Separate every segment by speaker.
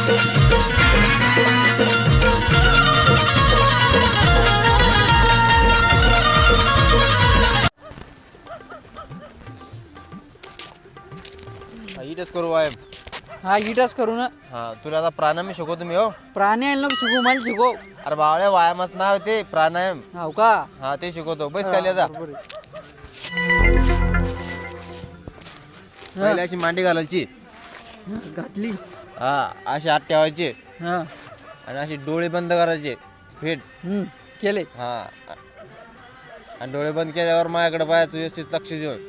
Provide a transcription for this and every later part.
Speaker 1: इटच करू वायम.
Speaker 2: हा इटच करू ना.
Speaker 1: हा तुला आता प्राणायाम शिकवतो मी. हो
Speaker 2: प्राणायाम नको शिकू, मला शिकव.
Speaker 1: अरे बावळ्या वायामच नाव ते प्राणायाम.
Speaker 2: हो का?
Speaker 1: हा ते शिकवतो. बस खाली जा.
Speaker 2: बरोबर आहे.
Speaker 1: पहिले अशी मांडी घालायची.
Speaker 2: घातली.
Speaker 1: हा अशी हात ठेवायचे
Speaker 2: हा
Speaker 1: आणि अशी डोळे बंद करायचे फेट.
Speaker 2: केले.
Speaker 1: हा आणि डोळे बंद केल्यावर माझ्याकडे पाहायचं व्यवस्थित लक्ष देऊन.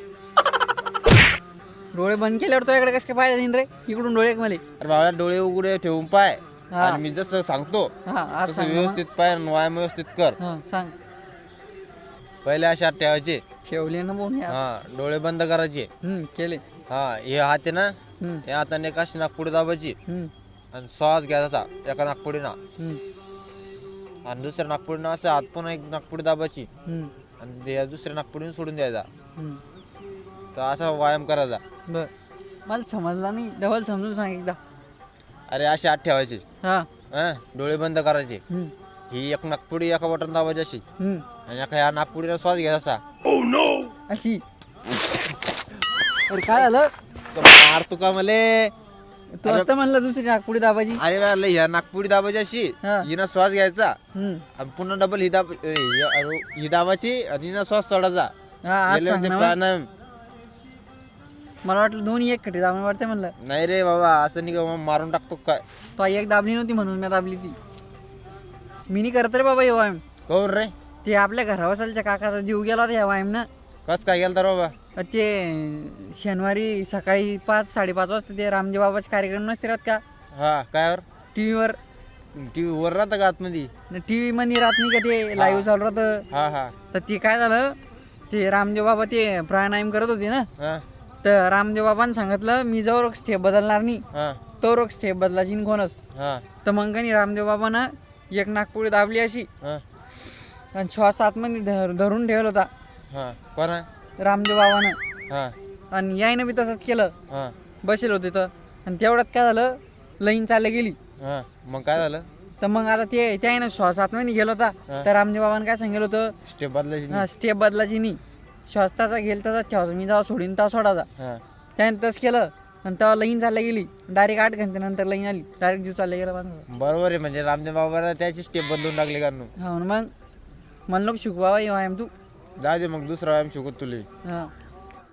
Speaker 2: डोळे बंद केल्यावर तो इकडे कसं काय पाहिजे रे? इकडून डोळे मला.
Speaker 1: अरे बाबा डोळे उघडे ठेवून पाय
Speaker 2: हा.
Speaker 1: आणि मी जसं सांगतो
Speaker 2: हा आज
Speaker 1: तसं
Speaker 2: सांग ना.
Speaker 1: व्यवस्थित पाय आणि व्यायाम व्यवस्थित कर.
Speaker 2: हा सांग.
Speaker 1: पहिले अशी हात ठेवायचे.
Speaker 2: ठेवले ना बोन यार.
Speaker 1: हा डोळे बंद करायचे.
Speaker 2: केले.
Speaker 1: हा हे हात आहे ना, या हाताने एक अशी नाकपुडी दाबायची आणि श्वास घ्यायचा एका नागपुडीना आणि दुसऱ्या नागपुडीनं असं हात पुन्हा एक नागपुडी दाबायची आणि दुसऱ्या नागपुडीने सोडून द्यायचा. तर असा व्यायाम करायचा.
Speaker 2: बर मला समजला नाही, डबल समजून सांग एकदा.
Speaker 1: अरे अशी हात ठेवायची.
Speaker 2: हा
Speaker 1: डोळे बंद करायचे. ही एक नागपुडी एका बटन दाबायची अशी आणि एका या नागपुडीला श्वास घ्यायचा
Speaker 2: अशी. अरे काय झालं?
Speaker 1: मार तू का मले?
Speaker 2: तू आता म्हणलं दुसरी नागपुडी दाबाजी.
Speaker 1: अरे ह्या नागपुडी दाबायची अशी, हिनं श्वास घ्यायचा आणि पुन्हा डबल ही दाबाची आणि हिनं श्वास सोडायचा.
Speaker 2: हा आज सांग ना.
Speaker 1: प्राणायाम.
Speaker 2: मला वाटलं दोन्ही एक खटी दाबून वाटते म्हणलं.
Speaker 1: नाही रे बाबा असं नाही का मारून टाकतो काय.
Speaker 2: तो एक दाबली नव्हती म्हणून मी दाबली ती. मी नाही करत रे बाबा हे व्यायाम.
Speaker 1: कोण रे?
Speaker 2: ते आपल्या घरावसालच्या काकाचा जीव गेला होता या व्यायाम ना.
Speaker 1: कस काय गेलं तर बाबा?
Speaker 2: ते शनिवारी सकाळी 5-5:30 वाजता ते रामदेव बाबाचे कार्यक्रम नसते राहत का
Speaker 1: हा कायवर?
Speaker 2: टीव्हीवर.
Speaker 1: वर राहतं का आतमध्ये?
Speaker 2: टीव्ही मध्ये राहत नाही का ते लाईव्ह चालू राहतं.
Speaker 1: हा हा
Speaker 2: तर ते काय झालं, ते रामदेव बाबा ते प्राणायाम करत होते ना.
Speaker 1: हा
Speaker 2: तर रामदेव बाबांनी सांगितलं मी जवळ स्टेप बदलणार नाही
Speaker 1: हा
Speaker 2: तो स्टेप बदलायची कोणच.
Speaker 1: हा
Speaker 2: तर मग काही रामदेव बाबानं एक नागपुडी दाबली अशी
Speaker 1: हा
Speaker 2: आणि श्वास आतमध्ये धरून ठेवला होता
Speaker 1: हा कोणा?
Speaker 2: रामदेव बाबानं.
Speaker 1: हा
Speaker 2: आणि यायनं बी तसंच केलं.
Speaker 1: हा
Speaker 2: बसेल होते तर. आणि तेवढ्यात काय झालं, लाईन चालली गेली.
Speaker 1: हा मग काय झालं?
Speaker 2: तर मग आता ते त्यानं श्वास आतमध्ये गेला होता. तर रामदेव बाबांनी काय सांगितलं होतं,
Speaker 1: स्टेप बदलायची.
Speaker 2: हा स्टेप बदलायची नाही, श्वास त्याचा घेईल तसाच ठेवायचा, मी जेव्हा सोडीन तेव्हा सोडायचा. त्याने तसं केलं आणि तेव्हा लाईन चालल्या गेली. डायरेक्ट 8 घंटे नंतर लाईन आली. डायरेक्ट जीव चालला गेला.
Speaker 1: बरोबर आहे. म्हणजे रामदेव बाबाला त्याची स्टेप बदलून टाकली का?
Speaker 2: हा मग मला नको शिकू बाबा हे व्यायाम तू.
Speaker 1: जा दे मग दुसरा व्यायाम शिकवत तुला.
Speaker 2: हा